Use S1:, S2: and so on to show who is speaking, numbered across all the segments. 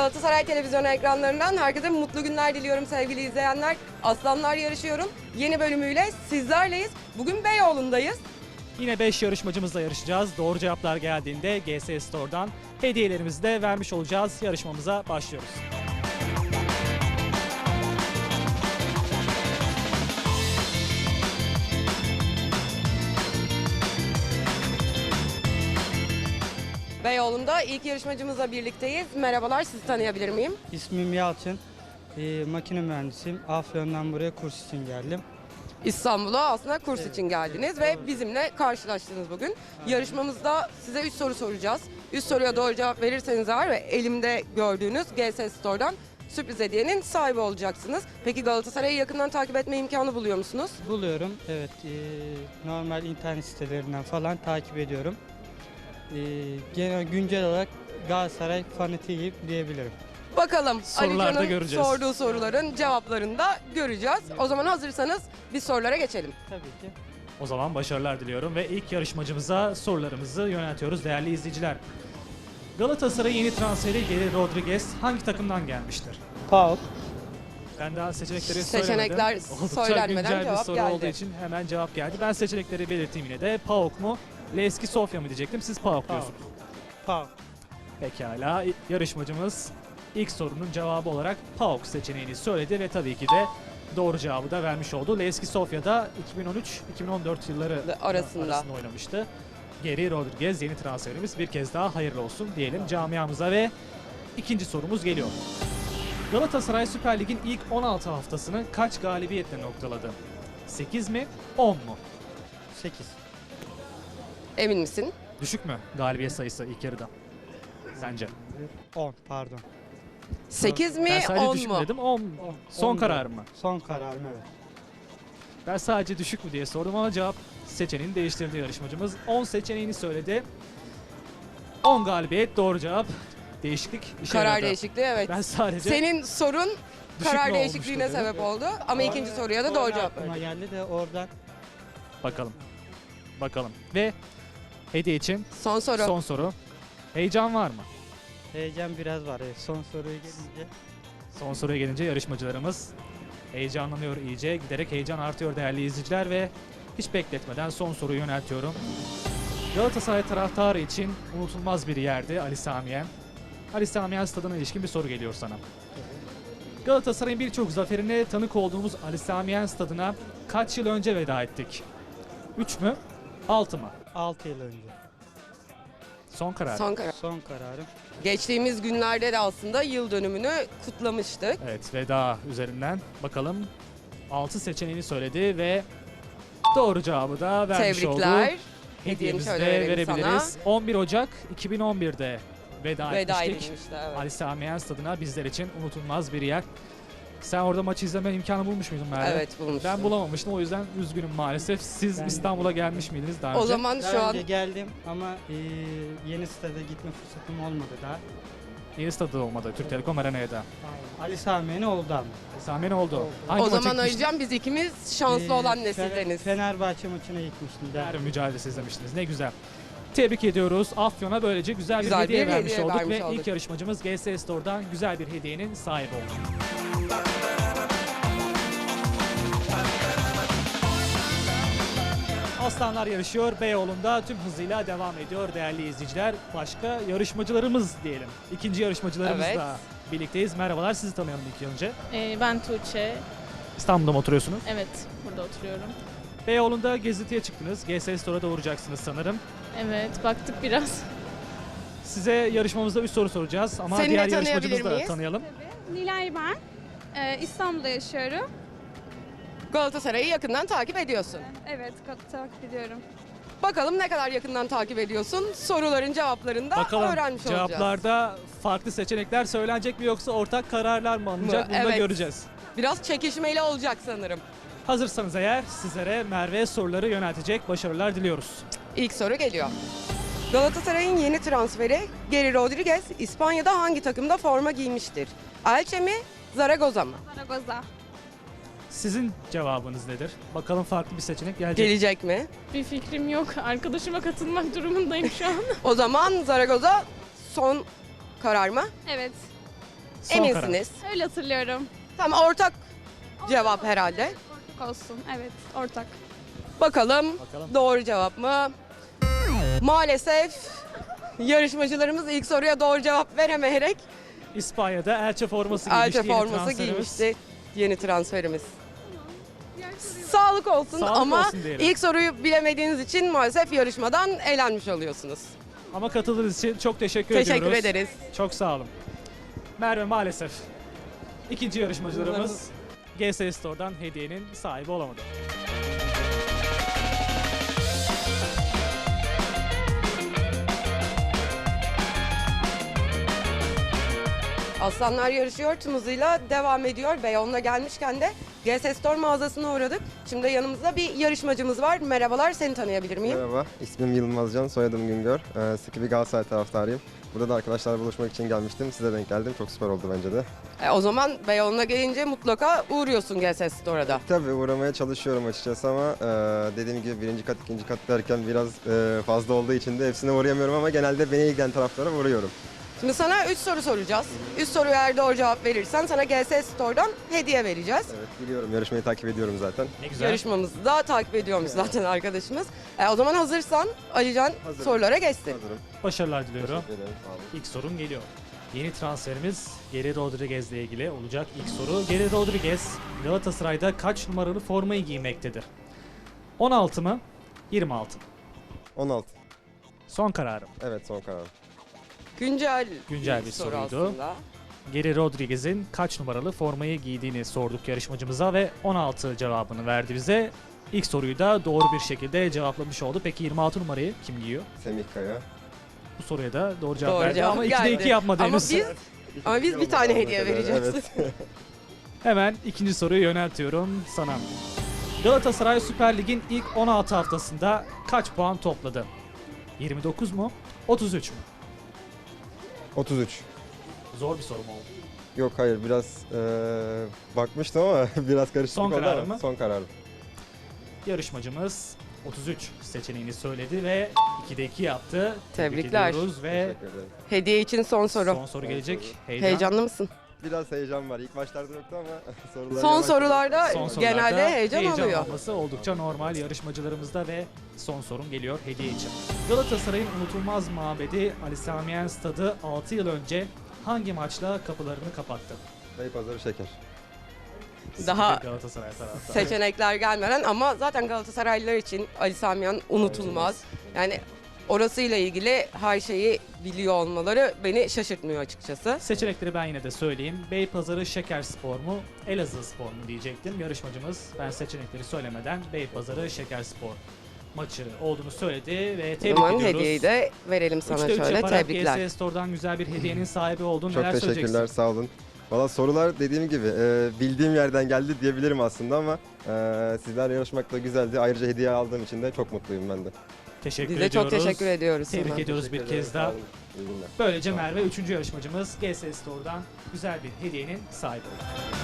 S1: Galatasaray televizyon ekranlarından herkese mutlu günler diliyorum sevgili izleyenler. Aslanlar Yarışıyorum yeni bölümüyle sizlerleyiz. Bugün Beyoğlu'ndayız.
S2: Yine 5 yarışmacımızla yarışacağız. Doğru cevaplar geldiğinde GS Store'dan hediyelerimizi de vermiş olacağız. Yarışmamıza başlıyoruz.
S1: Beyoğlu'nda ilk yarışmacımızla birlikteyiz. Merhabalar, sizi tanıyabilir miyim?
S3: İsmim Yalçın. Makine mühendisiyim. Afyon'dan buraya kurs için geldim.
S1: İstanbul'a aslında kurs için geldiniz ve bizimle karşılaştınız bugün. Yarışmamızda size 3 soru soracağız. 3 soruya doğru cevap verirseniz eğer ve elimde gördüğünüz GS Store'dan sürpriz hediyenin sahibi olacaksınız. Peki Galatasaray'ı yakından takip etme imkanı buluyor musunuz?
S3: Buluyorum. Evet. Normal internet sitelerinden falan takip ediyorum. Genel güncel olarak Galatasaray fanatiyim diyebilirim.
S1: Bakalım
S2: Sorularda
S1: Ali Can'ın
S2: göreceğiz.
S1: sorduğu soruların cevaplarını da göreceğiz. O zaman hazırsanız biz sorulara geçelim.
S3: Tabii ki.
S2: O zaman başarılar diliyorum ve ilk yarışmacımıza sorularımızı yöneltiyoruz değerli izleyiciler. Galatasaray'ın yeni transferi Geri Rodriguez hangi takımdan gelmiştir?
S3: PAOK.
S2: Ben daha seçenekleri
S1: Seçenekler
S2: söylemedim. Oldukça
S1: söylenmeden
S2: güncel bir
S1: cevap
S2: soru
S1: geldi.
S2: olduğu için hemen cevap geldi. Ben seçenekleri belirteyim yine de. PAOK mu? Levski Sofya mı diyecektim. Siz PAOK diyorsunuz.
S3: PAOK.
S2: Pekala. Yarışmacımız ilk sorunun cevabı olarak PAOK seçeneğini söyledi ve tabii ki de doğru cevabı da vermiş oldu. Levski Sofya'da 2013-2014 yılları
S1: Arasında
S2: oynamıştı. Geri Rodriguez yeni transferimiz, bir kez daha hayırlı olsun diyelim camiamıza ve ikinci sorumuz geliyor. Galatasaray Süper Lig'in ilk 16 haftasını kaç galibiyetle noktaladı? 8 mi, 10 mu?
S3: 8.
S1: Emin misin?
S2: Düşük mü galibiyet sayısı ilk yarıda? Sence?
S3: 10 pardon.
S1: 8 mi,
S2: Ben sadece
S1: 10
S2: düşük
S1: mu?
S2: mü dedim, 10. Son
S3: 10
S2: karar mı?
S3: Son kararım, evet.
S2: Ben sadece düşük mü diye sordum ama cevap seçeneğini değiştirdi yarışmacımız. 10 seçeneğini söyledi. 10 galibiyet doğru cevap. Değişiklik işe
S1: Karar
S2: yaradı.
S1: değişikliği, evet.
S2: Ben sadece
S1: Senin sorun
S2: düşük
S1: karar
S2: mü
S1: değişikliğine
S2: olmuştu dedim.
S1: sebep oldu ama ikinci soruya da doğru cevap
S3: Aklıma
S1: verdin.
S3: geldi de oradan
S2: Bakalım. Bakalım. Ve hediye için
S1: Son soru.
S2: son soru. Heyecan var mı?
S3: heyecan biraz var. Evet. Son soruya gelince.
S2: Son soruya gelince yarışmacılarımız heyecanlanıyor iyice. Giderek heyecan artıyor değerli izleyiciler ve hiç bekletmeden son soruyu yöneltiyorum. Galatasaray taraftarı için unutulmaz bir yerdi Ali Samiyen. Ali Samiyen stadına ilişkin bir soru geliyor sana. Galatasaray'ın birçok zaferine tanık olduğumuz Ali Samiyen stadına kaç yıl önce veda ettik? 3 mü? 6 mı?
S3: 6 yıl önce.
S2: Son karar.
S1: Son karar.
S3: Son kararım.
S1: Geçtiğimiz günlerde de aslında yıl dönümünü kutlamıştık.
S2: Evet, veda üzerinden bakalım 6 seçeneğini söyledi ve doğru cevabı da vermiş oldu.
S1: Tebrikler. Hediyeni
S2: Hediyemizi de
S1: şöyle verelim
S2: verebiliriz. 11 Ocak 2011'de veda
S1: Veda
S2: etmiştik.
S1: edilmişti, evet.
S2: Ali Samiyen Stadı'na bizler için unutulmaz bir yer. Sen orada maçı izleme imkanı bulmuş muydun Merve?
S1: Evet, bulmuştum.
S2: Ben bulamamıştım, o yüzden üzgünüm maalesef. Siz
S3: Ben
S2: İstanbul'a gelmiş miydiniz daha önce?
S1: O zaman
S3: Daha
S1: şu an
S3: önce geldim ama yeni stada gitme fırsatım olmadı daha.
S2: Yeni stadı olmadı, Türk Telekom Arena'da.
S3: Ali Sami'nin oldu ama.
S2: Ali Samiyen oldu. Hangi
S1: o
S2: maça
S1: zaman
S2: gitmiştin?
S1: Alican biz ikimiz şanslı olan nesildeniz.
S3: Fenerbahçe maçına gitmiştim.
S2: Derbi mücadelesi izlemiştiniz. Ne güzel. Tebrik ediyoruz. Afyon'a böylece güzel bir hediye
S1: bir
S2: vermiş
S1: hediye
S2: olduk
S1: vermiş
S2: ve
S1: olduk.
S2: ilk yarışmacımız GS Store'dan güzel bir hediyenin sahibi oldu. Aslanlar yarışıyor. Beyoğlu'nda tüm hızıyla devam ediyor değerli izleyiciler. Başka yarışmacılarımız diyelim. İkinci yarışmacılarımızla
S1: Evet.
S2: birlikteyiz. Merhabalar, sizi tanıyalım ilk önce.
S4: Ben Tuğçe.
S2: İstanbul'da mı oturuyorsunuz?
S4: Evet, burada oturuyorum.
S2: Beyoğlu'nda gezintiye çıktınız. GS Store'a da uğrayacaksınız sanırım.
S4: Evet, baktık biraz.
S2: Size yarışmamızda 3 soru soracağız ama
S1: Seni de
S2: diğer
S1: tanıyabilir
S2: yarışmacımızı da
S1: miyiz?
S2: tanıyalım.
S5: Nilay ben. İstanbul'da yaşıyorum.
S1: Galatasaray'ı yakından takip ediyorsun.
S5: Evet, takip ediyorum.
S1: Bakalım ne kadar yakından takip ediyorsun? Soruların cevaplarını da
S2: Bakalım
S1: öğrenmiş olacağız.
S2: cevaplarda farklı seçenekler söylenecek mi yoksa ortak kararlar mı alınacak? Bunu da
S1: Evet.
S2: göreceğiz.
S1: Biraz çekişmeli olacak sanırım.
S2: Hazırsanız eğer sizlere Merve soruları yöneltecek. Başarılar diliyoruz.
S1: İlk soru geliyor. Galatasaray'ın yeni transferi Geri Rodriguez İspanya'da hangi takımda forma giymiştir? Elche mi, Zaragoza mı?
S5: Zaragoza.
S2: Sizin cevabınız nedir? Bakalım farklı bir seçenek gelecek.
S1: Gelecek mi?
S4: Bir fikrim yok. Arkadaşıma katılmak durumundayım şu an.
S1: O zaman Zaragoza son karar mı?
S5: Evet.
S2: Son karar.
S1: Eminsiniz.
S5: Öyle hatırlıyorum.
S1: Tamam, ortak cevap herhalde.
S5: Olsun. Evet, ortak.
S1: Bakalım,
S2: Bakalım.
S1: doğru cevap mı? Maalesef yarışmacılarımız ilk soruya doğru cevap veremeyerek
S2: İspanya'da Elche forması giymişti.
S1: Elche
S2: yeni
S1: forması
S2: transferimiz.
S1: giymişti yeni transferimiz. Sağlık olsun
S2: Sağlık
S1: ama
S2: olsun diyelim.
S1: ilk soruyu bilemediğiniz için maalesef yarışmadan elenmiş oluyorsunuz.
S2: Ama katıldığınız için çok teşekkür
S1: Teşekkür
S2: ediyoruz.
S1: ederiz.
S2: Çok sağ olun. Merve maalesef ikinci yarışmacılarımız GS Store'dan hediyenin sahibi olamadı.
S1: Aslanlar yarışıyor tüm hızıyla devam ediyor. Beyoğlu'na gelmişken de GS Store mağazasına uğradık. Şimdi yanımızda bir yarışmacımız var. Merhabalar, seni tanıyabilir miyim?
S6: Merhaba, ismim Yılmazcan, soyadım Güngör. Sıkı bir Galatasaray taraftarıyım. Burada da arkadaşlarla buluşmak için gelmiştim. Size denk geldim. Çok süper oldu bence de.
S1: O zaman Beyoğlu'na gelince mutlaka uğruyorsun GS Store'a da.
S6: Tabii uğramaya çalışıyorum açıkçası ama dediğim gibi birinci kat, ikinci kat derken biraz fazla olduğu için de hepsine uğrayamıyorum ama genelde beni ilgilen taraflara uğruyorum.
S1: Şimdi sana 3 soru soracağız. 3 soruya eğer doğru cevap verirsen sana GS Store'dan hediye vereceğiz.
S6: Evet, biliyorum. Yarışmayı takip ediyorum zaten.
S2: Ne güzel.
S1: Yarışmamızı da takip ediyormuş zaten arkadaşımız. O zaman hazırsan Alican
S6: Hazırım.
S1: sorulara geçsin.
S6: Hazırım.
S2: Başarılar diliyorum.
S6: Teşekkür ederim. Sağ olun.
S2: İlk sorun geliyor. Yeni transferimiz Geri Rodriguez ile ilgili olacak ilk soru. Geri Rodriguez Galatasaray'da kaç numaralı formayı giymektedir? 16 mı? 26 mı?
S6: 16.
S2: Son kararım.
S6: Evet, son kararım.
S1: Güncel
S2: Bir
S1: soru
S2: soruydu.
S1: aslında.
S2: Geri Rodriguez'in kaç numaralı formayı giydiğini sorduk yarışmacımıza ve 16 cevabını verdi bize. İlk soruyu da doğru bir şekilde cevaplamış oldu. Peki 26 numarayı kim giyiyor?
S6: Semih Kaya.
S2: Bu soruya da doğru cevap
S1: Doğru
S2: verdi
S1: cevap
S2: ama
S1: geldi.
S2: 2'de 2 yapmadı
S1: Ama
S2: henüz.
S1: biz bir tane hediye vereceğiz.
S6: Evet.
S2: Hemen ikinci soruyu yöneltiyorum sana. Galatasaray Süper Lig'in ilk 16 haftasında kaç puan topladı? 29 mu? 33 mü?
S6: 33.
S2: Zor bir soru mu oldu?
S6: Yok hayır, biraz bakmıştım ama biraz karışık
S2: Son
S6: oldu
S2: kararın
S6: ama
S2: mı?
S6: son kararım.
S2: Yarışmacımız 33 seçeneğini söyledi ve 2'de 2 yaptı. Tebrik
S1: Tebrikler.
S2: ediyoruz ve
S6: Teşekkür ederim.
S1: Hediye için son soru.
S2: son soru
S6: Son
S2: gelecek.
S6: soru.
S2: Heyecan.
S1: Heyecanlı mısın?
S6: Biraz heyecan var. İlk başlarda yoktu ama sorular
S1: Son
S6: yavaş-
S1: sorularda
S2: Son sorularda
S1: genelde heyecan oluyor.
S2: olması oldukça normal yarışmacılarımızda ve son sorun geliyor hediye için. Galatasaray'ın unutulmaz mabedi Ali Sami Yen Stadı 6 yıl önce hangi maçla kapılarını kapattı?
S6: Beypazarı Şeker.
S1: Daha
S2: Galatasaray taraftarı.
S1: seçenekler gelmeden ama zaten Galatasaraylılar için Ali Sami Yen unutulmaz. Yani orasıyla ilgili her şeyi biliyor olmaları beni şaşırtmıyor açıkçası.
S2: Seçenekleri ben yine de söyleyeyim. Beypazarı Şekerspor mu, Elazığ Spor mu diyecektim. Yarışmacımız ben seçenekleri söylemeden Beypazarı Şekerspor maçı olduğunu söyledi ve
S1: O
S2: tebrik
S1: zaman
S2: ediyoruz.
S1: hediyeyi de verelim sana
S2: 3'te 3
S1: şöyle.
S2: yaparak
S1: Tebrikler.
S2: GS Store'dan güzel bir hediyenin sahibi oldun.
S6: Çok
S2: Neler
S6: teşekkürler,
S2: söyleyeceksin?
S6: sağ olun. Valla sorular dediğim gibi bildiğim yerden geldi diyebilirim aslında ama sizlerle yarışmak da güzeldi. Ayrıca hediye aldığım için de çok mutluyum ben de.
S2: Teşekkür
S1: Biz de
S2: ediyoruz.
S1: çok teşekkür ediyoruz
S2: Tebrik
S1: sana.
S2: ediyoruz bir
S6: Teşekkür ederim,
S2: kez
S6: sağ
S2: daha.
S6: olun. İyi günler.
S2: Böylece Merve 3. yarışmacımız GS Store'dan güzel bir hediyenin sahibi oldu.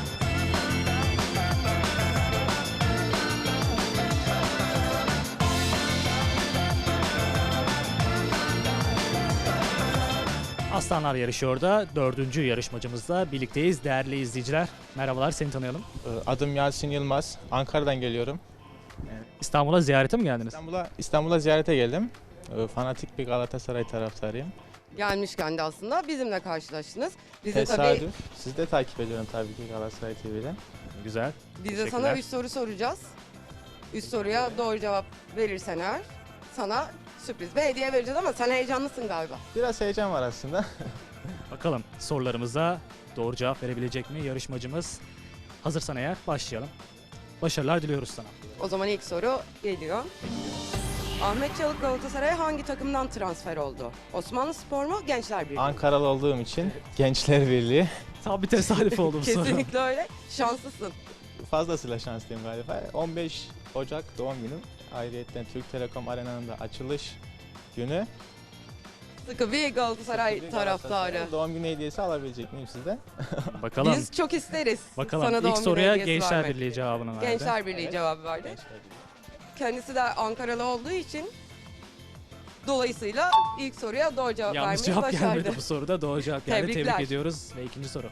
S2: Aslanlar yarışıyor da 4. yarışmacımızla birlikteyiz değerli izleyiciler. Merhabalar, seni tanıyalım.
S7: Adım Yasin Yılmaz. Ankara'dan geliyorum.
S2: İstanbul'a ziyarete mi geldiniz?
S7: İstanbul'a ziyarete geldim. Fanatik bir Galatasaray taraftarıyım.
S1: Gelmişken de aslında bizimle karşılaştınız. Biz de tabii
S7: Tesadüf. Sizi de takip ediyorum tabii ki Galatasaray TV'den.
S2: Güzel.
S1: biz de sana
S2: Teşekkürler.
S1: 3 soru soracağız. 3 soruya doğru cevap verirsen eğer sana sürpriz bir hediye vereceğiz ama sen heyecanlısın galiba.
S7: Biraz heyecan var aslında.
S2: Bakalım sorularımıza doğru cevap verebilecek mi yarışmacımız? Hazırsan eğer başlayalım. Başarılar diliyoruz sana.
S1: O zaman ilk soru geliyor. Ahmet Çalık Galatasaray'a hangi takımdan transfer oldu? Osmanlı Spor mu, Gençler Birliği? mi?
S7: Ankaralı olduğum için Gençler Birliği.
S2: Tam bir tesadüf oldu bu soru.
S1: Kesinlikle öyle. Şanslısın.
S7: Fazlasıyla şanslıyım galiba. 15 Ocak doğum günüm. Ayrıyeten Türk Telekom Arena'nın da açılış günü.
S1: Sıkı bir Galatasaray
S7: Bir
S1: taraftarı.
S7: Galatasaray Doğum günü hediyesi alabilecek miyim sizden?
S2: Bakalım.
S1: Biz çok isteriz.
S2: Bakalım.
S1: Sana doğum
S2: İlk
S1: günü
S2: soruya
S1: hediyesi
S2: Gençler
S1: vermek.
S2: Birliği cevabını verdi.
S1: Gençler Birliği
S7: Evet.
S1: cevabı verdi.
S7: Gençler Birliği.
S1: Kendisi de Ankaralı olduğu için Dolayısıyla ilk soruya doğru cevap
S2: Yanlış
S1: vermeyi
S2: cevap
S1: başardı.
S2: gelmedi bu soruda. Doğru cevap geldi.
S1: Tebrikler.
S2: Tebrik ediyoruz. Ve ikinci soru.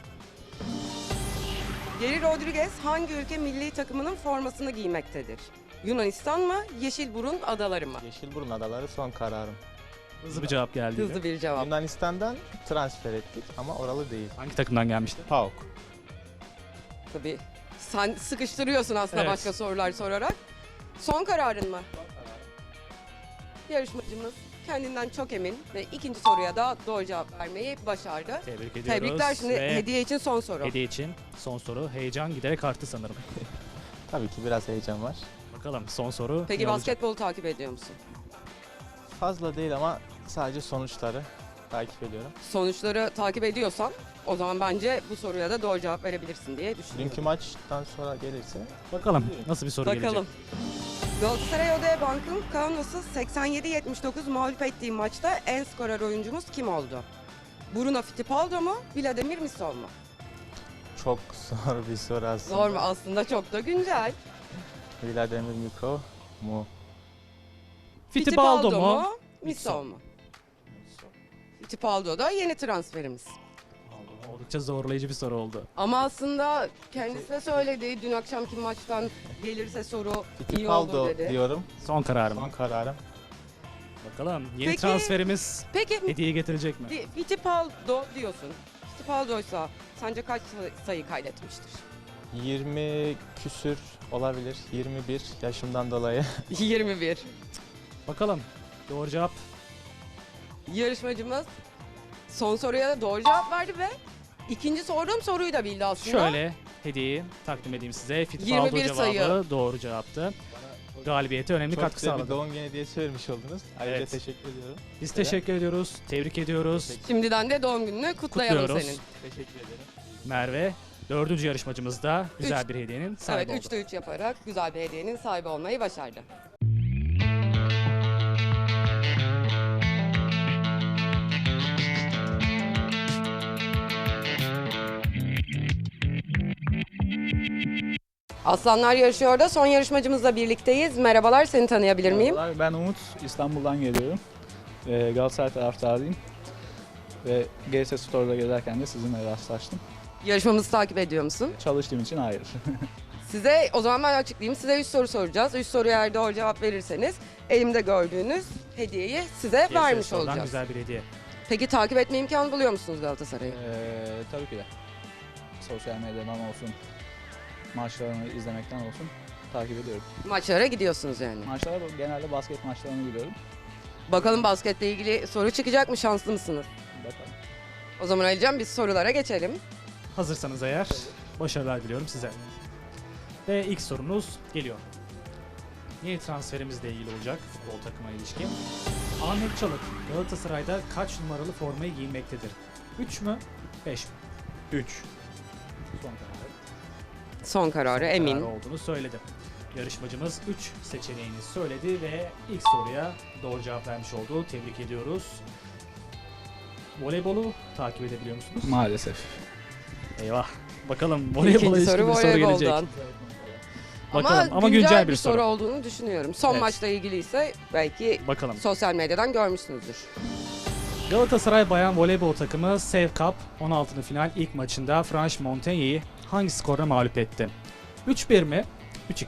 S1: Geri Rodriguez hangi ülke milli takımının formasını giymektedir? Yunanistan mı, Yeşilburun adaları mı?
S7: Yeşilburun Adaları son kararım.
S2: Hızlı bir cevap geldi.
S1: Hızlı bir cevap.
S7: Yunanistan'dan transfer ettik ama oralı değil.
S2: Hangi takımdan gelmişti?
S7: PAOK.
S1: Tabii. Sen sıkıştırıyorsun aslında
S2: Evet.
S1: başka sorular sorarak. Son kararın mı? Yarışmacımız kendinden çok emin ve ikinci soruya da doğru cevap vermeyi başardı.
S2: Tebrik ediyoruz.
S1: Tebrikler. Şimdi
S2: Ve
S1: hediye için son soru.
S2: hediye için son soru. Heyecan giderek arttı sanırım.
S7: Tabii ki biraz heyecan var.
S2: Bakalım son soru
S1: Peki
S2: ne olacak?
S1: basketbolu takip ediyor musun?
S7: Fazla değil ama sadece sonuçları takip ediyorum.
S1: Sonuçları takip ediyorsan o zaman bence bu soruya da doğru cevap verebilirsin diye düşünüyorum.
S7: Dünkü maçtan sonra gelirse
S2: Bakalım nasıl bir soru
S1: Bakalım.
S2: gelecek.
S1: Galatasaray Oda Bank'ın Kaunos'u 87-79 mağlup ettiği maçta en skorer oyuncumuz kim oldu? Bruno Fittipaldo mu, Vladimir Misol mu?
S7: çok zor bir soru aslında.
S1: Zor mu? Aslında çok da güncel.
S7: Vladimir Mikro mu?
S2: Fittipaldo mu?
S1: Misol mu? Fittipaldo da yeni transferimiz.
S2: Oldukça zorlayıcı bir soru oldu.
S1: Ama aslında kendisi de söyledi dün akşamki maçtan gelirse soru iyi olur
S7: Fittipaldo
S1: dedi.
S7: diyorum.
S2: Son kararım.
S7: Son kararım.
S2: Bakalım yeni
S1: Peki-
S2: transferimiz
S1: Peki
S2: hediye getirecek mi?
S1: Fittipaldo diyorsun. Fittipaldo'ysa sence kaç sayı kaydetmiştir?
S7: 20 küsür olabilir. 21 yaşımdan dolayı.
S1: 21.
S2: Bakalım. Doğru cevap.
S1: Yarışmacımız son soruya da doğru cevap verdi ve ikinci sorduğum soruyu da bildi aslında.
S2: Şöyle hediyeyi takdim edeyim size. Fittipaldo
S1: 21
S2: cevabı
S1: sayı.
S2: doğru cevaptı. Galibiyete önemli
S7: Çok
S2: katkı
S7: güzel bir
S2: sağladı.
S7: doğum günü hediyesi vermiş oldunuz. Ayrıca
S2: Evet.
S7: teşekkür ediyorum.
S2: Biz teşekkür ediyoruz. Tebrik ediyoruz.
S1: Şimdiden de doğum gününü kutlayalım
S2: Kutluyoruz.
S1: senin.
S7: Teşekkür ederim.
S2: Merve, dördüncü yarışmacımız da güzel bir hediyenin sahibi
S1: Evet
S2: oldu.
S1: 3'te 3 yaparak güzel bir hediyenin sahibi olmayı başardı. Aslanlar yarışıyor da son yarışmacımızla birlikteyiz. Merhabalar, seni tanıyabilir miyim?
S8: Merhabalar, ben Umut, İstanbul'dan geliyorum. Galatasaray taraftarıyım. Ve GS Store'da gezerken de sizinle rastlaştım.
S1: Yarışmamızı takip ediyor musun?
S8: Çalıştığım için hayır.
S1: Size o zaman ben açıklayayım. Size 3 soru soracağız. 3 soruya eğer doğru cevap verirseniz elimde gördüğünüz hediyeyi size
S2: GS
S1: vermiş
S2: Store'dan
S1: olacağız.
S2: güzel bir hediye.
S1: Peki takip etme imkanı buluyor musunuz Galatasaray'ı?
S8: Tabii ki de. Sosyal medyadan olsun, maçlarını izlemekten olsun takip ediyorum.
S1: Maçlara gidiyorsunuz yani.
S8: Maçlara genelde basket maçlarını gidiyorum.
S1: Bakalım basketle ilgili soru çıkacak mı? Şanslı mısınız?
S8: Bakalım.
S1: O zaman Alican biz sorulara geçelim.
S2: Hazırsanız eğer başarılar diliyorum size. Ve ilk sorumuz geliyor. Yeni transferimizle ilgili olacak futbol takıma ilişkin. Ahmet Çalık Galatasaray'da kaç numaralı formayı giymektedir? 3 mü? 5 mi?
S8: 3.
S2: Son kararı.
S1: Son kararı
S2: Son
S1: emin.
S2: kararı olduğunu söyledi. Yarışmacımız 3 seçeneğini söyledi ve ilk soruya doğru cevap vermiş oldu. Tebrik ediyoruz. Voleybolu takip edebiliyor musunuz?
S8: Maalesef.
S2: Eyvah. Bakalım voleybola
S1: İkinci
S2: ilişkin
S1: soru
S2: bir soru gelecek.
S1: voleyboldan.
S2: Bakalım
S1: Ama güncel bir soru
S2: soru.
S1: olduğunu düşünüyorum. Son
S2: Evet.
S1: maçla ilgiliyse belki
S2: Bakalım.
S1: sosyal medyadan görmüşsünüzdür.
S2: Galatasaray Bayan Voleybol takımı Sev Cup 16. final ilk maçında Franche Montaigne'yi hangi skorla mağlup etti? 3-1 mi? 3-2.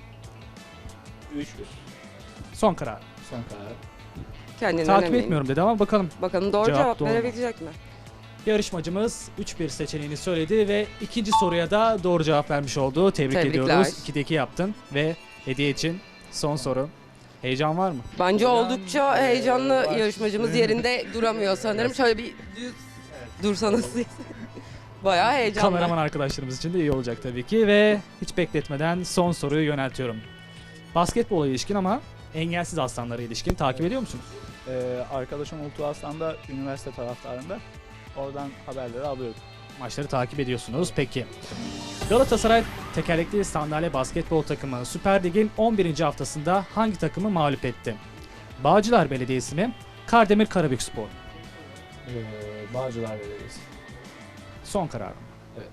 S8: 3.
S2: Son karar.
S8: Son karar.
S1: Kendinden
S2: Takip
S1: eminim.
S2: etmiyorum dedi ama bakalım.
S1: Bakalım doğru
S2: Cevap
S1: cevap
S2: doğru mu?
S1: verebilecek mi?
S2: Yarışmacımız 3-1 seçeneğini söyledi ve ikinci soruya da doğru cevap vermiş oldu. Tebrik
S1: Tebrikler.
S2: ediyoruz. 2'de 2 yaptın ve hediye için son soru. Heyecan var mı?
S1: Bence
S8: Ben,
S1: oldukça heyecanlı
S8: var.
S1: yarışmacımız yerinde duramıyor sanırım. Şöyle bir düz dursanız siz. Bayağı heyecanlı.
S2: Kameraman arkadaşlarımız için de iyi olacak tabii ki ve hiç bekletmeden son soruyu yöneltiyorum. Basketbola ilişkin ama engelsiz aslanlara ilişkin takip ediyor musunuz?
S8: Arkadaşım Ultu Aslan'da üniversite taraftarında. Oradan haberleri alıyorum.
S2: Maçları takip ediyorsunuz. Peki. Galatasaray tekerlekli sandalye basketbol takımı Süper Lig'in 11. haftasında hangi takımı mağlup etti? Bağcılar Belediyesi mi? Kardemir Karabükspor.
S8: Bağcılar Belediyesi.
S2: Son karar.
S8: Evet.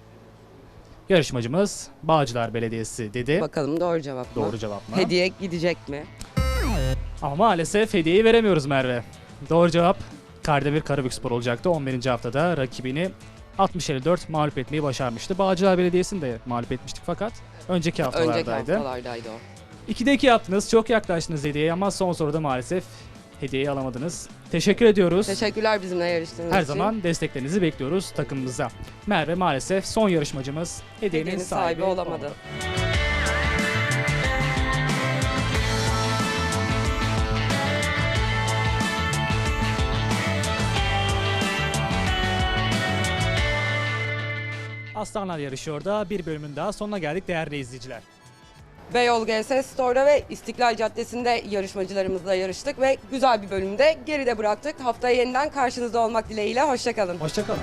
S2: Yarışmacımız Bağcılar Belediyesi dedi.
S1: Bakalım doğru cevap mı?
S2: Doğru cevap mı?
S1: Hediye gidecek mi?
S2: Ama maalesef hediyeyi veremiyoruz Merve. Doğru cevap Kardemir Karabükspor olacaktı. 11. haftada rakibini 60-54 mağlup etmeyi başarmıştı. Bağcılar Belediyesi'ni de mağlup etmiştik fakat önceki haftalardaydı.
S1: Önceki haftalardaydı o.
S2: 2'de 2 yaptınız. Çok yaklaştınız hediyeye ama son soruda maalesef hediyeyi alamadınız. Teşekkür ediyoruz.
S1: Teşekkürler bizimle yarıştığınız
S2: Her
S1: için.
S2: zaman desteklerinizi bekliyoruz takımımıza. Merve maalesef son yarışmacımız hediyenin
S1: Hediyenin sahibi olamadı.
S2: Aslanlar yarışıyor da bir bölümün daha sonuna geldik değerli izleyiciler.
S1: Beyoğlu GS Store'da ve İstiklal Caddesi'nde yarışmacılarımızla yarıştık ve güzel bir bölümde geride bıraktık. Haftaya yeniden karşınızda olmak dileğiyle. Hoşçakalın.
S2: Hoşçakalın.